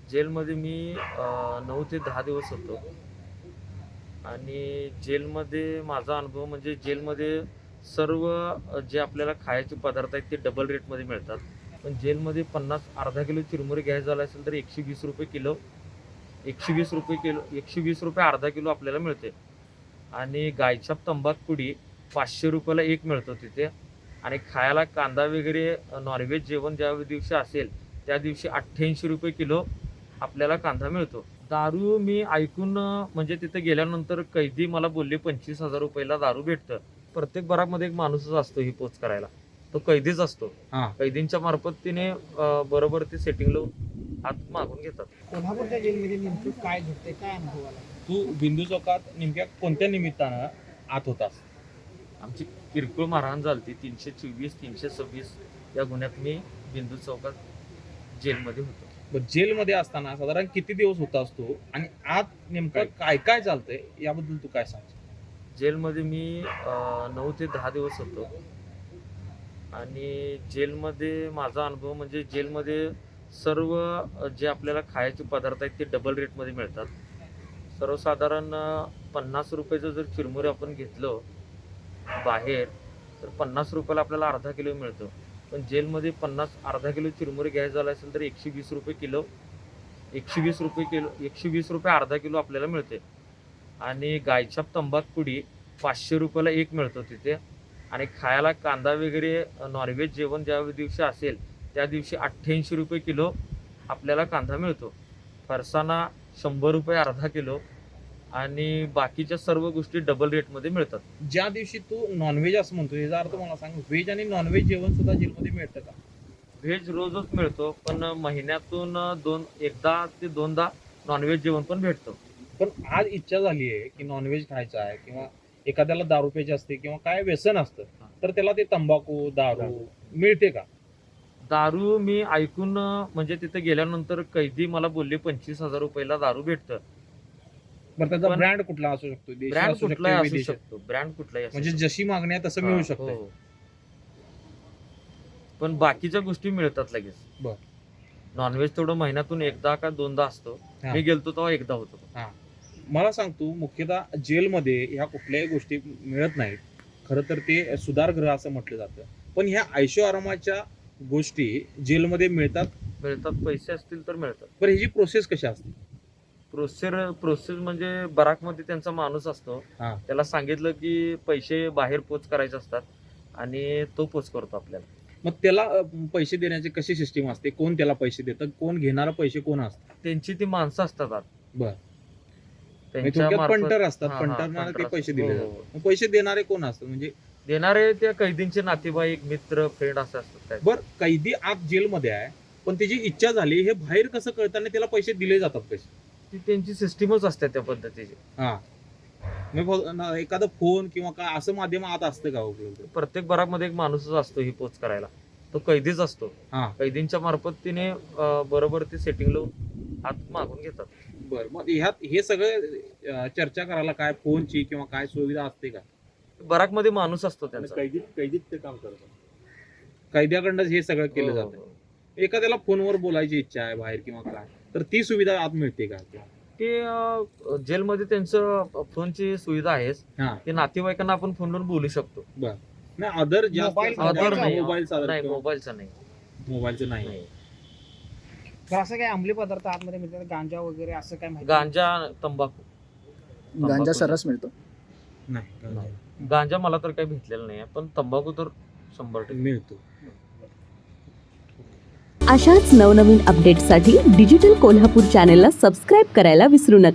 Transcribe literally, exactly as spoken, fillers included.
जेलमध्ये मी अ, नऊ ते दहा दिवस होतो आणि जेलमध्ये माझा अनुभव म्हणजे जेलमध्ये सर्व अ, जे आपल्याला खायचे पदार्थ आहेत ते डबल रेटमध्ये मिळतात. पण जेलमध्ये पन्नास अर्धा किलो चिरमुरे घ्यायचं झालं असेल तर एकशे वीस रुपये किलो एकशे वीस रुपये किलो एकशे वीस रुपये अर्धा किलो आपल्याला मिळते. आणि गायछाप तंबाखू पुडी पाचशे रुपयाला एक मिळतो तिथे. आणि खायला कांदा वगैरे नॉनव्हेज जेवण ज्या दिवशी असेल त्या दिवशी अठ्ठ्याऐंशी रुपये किलो आपल्याला कांदा मिळतो. दारू मी ऐकून अ, म्हणजे तिथे गेल्यानंतर कैदी मला बोलले पंचवीस हजार रुपयाला दारू भेटतं. प्रत्येक बराकमध्ये एक माणूसच असतो ही पोच करायला, तो कैदीच असतो. हा. कैदींच्या मार्फत तिने अ, बरोबर ते सेटिंग लावून आत मागून घेतात. कोल्हापूरच्या जेलमध्ये नेमकं काय घडतंय, काय अनुभव आला? तू बिंदू चौकात नेमक्या कोणत्या निमित्तानं आत होतास? आमची किरकोळ मारहाण झाली तीनशे चोवीस तीनशे सव्वीस या गुन्ह्यात मी बिंदू चौकात जेलमध्ये होतो. बरं, जेलमध्ये असताना साधारण किती दिवस होतास तू आणि आत नेमकं काय काय चालतंय याबद्दल तू काय सांग? जेलमध्ये मी अ, नऊ ते दहा दिवस होतो आणि जेलमध्ये माझा अनुभव म्हणजे जेलमध्ये सर्व अ, जे आपल्याला खायचे पदार्थ आहेत ते डबल रेटमध्ये मिळतात. सर्वसाधारण अ, पन्नास रुपयाचं जर चिरमुरे आपण घेतलं बाहेर तर पन्नास रुपयाला आपल्याला अर्धा किलो मिळतो. पण जेलमध्ये पन्नास अर्धा किलो चिरमुरे घ्यायचं झालं असेल तर एकशे वीस रुपये किलो एकशे वीस रुपये किलो एकशे वीस रुपये अर्धा किलो आपल्याला मिळते. आणि गायछाप तंबाखू पुडी पाचशे रुपयाला एक मिळतो तिथे. आणि खायला कांदा वगैरे नॉनव्हेज जेवण ज्या दिवशी असेल त्या दिवशी अठ्ठ्याऐंशी रुपये किलो आपल्याला कांदा मिळतो. फरसाणा शंभर रुपये अर्धा किलो आणि बाकीच्या सर्व गोष्टी डबल रेटमध्ये मिळतात. ज्या दिवशी तू नॉनव्हेज असं म्हणतो याचा अर्थ मला सांग, व्हेज आणि नॉनव्हेज जेवण सुद्धा जेलमध्ये मिळतं का? व्हेज रोजच मिळतो पण महिन्यातून दोन एकदा ते दोनदा नॉनव्हेज जेवण पण भेटतं. पण आज इच्छा झाली आहे की नॉनव्हेज खायचं आहे किंवा एखाद्याला दारू प्यायची असते किंवा काय व्यसन असतं तर त्याला ते तंबाखू दारू मिळते का? दारू मी ऐकून अ, म्हणजे तिथे गेल्यानंतर कैदी मला बोलले पंचवीस हजार रुपयाला दारू भेटतं. बरं, त्याचा पण- ब्रँड कुठला असू शकतो? देशी ब्रँड असू शकतो, कुठलाही असू विदेशी? शकतो ब्रँड कुठलाही असू म्हणजे शकतो. जशी मागणी आहे तसं हा, मिळू शकतं. हो. पण बाकीच्या गोष्टी मिळतात लगेच. बर. नॉनव्हेज तेवढं महिन्यातून एकदा का दोनदा असतो. हा. मी गेलतो तेव्हा एकदा होतो. मला सांग, तू मुख्यतः जेलमध्ये ह्या कुठल्याही गोष्टी मिळत नाहीत. खरं तर ते सुधारगृह असं म्हटलं जातं. पण ह्या ऐशो आरामाच्या गोष्टी जेलमध्ये मिळतात. मिळतात पैसे असतील तर मिळतात. बरं, ह्याची प्रोसेस कशी असते? प्रोसेस प्रोसेस म्हणजे बराकमध्ये त्यांचा माणूस असतो. हा. त्याला सांगितलं की पैसे बाहेर पोच करायचे असतात आणि तो पोच करतो आपल्याला. मग त्याला अ, पैसे देण्याची कशी सिस्टीम असते? कोण त्याला पैसे देतं? कोण घेणारा पैसे कोण असतं? त्यांची ती माणसं असतात आत. बर. त्यांच्या थोडक्यात मार्फत- पंटर असतात. हा, हा, पंटरना पंटर ते पैसे असतात. दिले हो, जातात. हो. मग पैसे देणारे कोण असतात? म्हणजे देणारे त्या कैदींचे नातेवाईक मित्र फ्रेंड असं असतात काय. बर, कैदी आत जेलमध्ये आहे पण त्याची इच्छा झाली, हे बाहेर कसं कळताना त्याला पैसे दिले जातात कसे? ती त्यांची सिस्टीमच असते त्या पद्धतीची. हा. मग फ- न- एखादा फोन किंवा काय असं माध्यम आत असतं का उपलब्ध? प्रत्येक बराकमध्ये एक माणूसच असतो ही पोच करायला, तो कैदीच असतो. हा. कैदींच्या मार्फत तिने अ, बरोबर ते सेटिंग लावून आत मागून घेतात. बर, मग ह्यात हे सगळं अ, चर्चा करायला काय फोनची किंवा काय सुविधा असते का? बराकमध्ये माणूस असतो त्यांचा. कैदीत कैदीत ते काम करतात. कैद्याकडनं हे सगळं केलं हो, जातं. हो. एखाद्याला फोनवर बोलायची इच्छा आहे बाहेर किंवा काय, तर ती सुविधा आत मिळते का? ते अ, जेलमध्ये त्यांचं फोनची सुविधा आहेच. हा. ते नातेवाईकांना आपण फोनवर बोलू शकतो. नाही, अदर जास्त मोबाईल- Other नाही. मोबाईल नाही मोबाईलचा नाही. मोबाईलचं नाही. नाही. तर असं काय अंमली पदार्थ आतमध्ये मिळतात, गांजा वगैरे असं काय माहिती? गांजा तंबाखू गांजा तंबाखू. सर्रास मिळतो. नाही, नाही. गांजा मला तर काही भेटलेला नाही पण तंबाखू तर शंभर टक्के मिळतो. अशाच नवनवीन अपडेट्ससाठी डिजिटल कोल्हापूर चॅनेलला सबस्क्राईब करायला विसरू नका.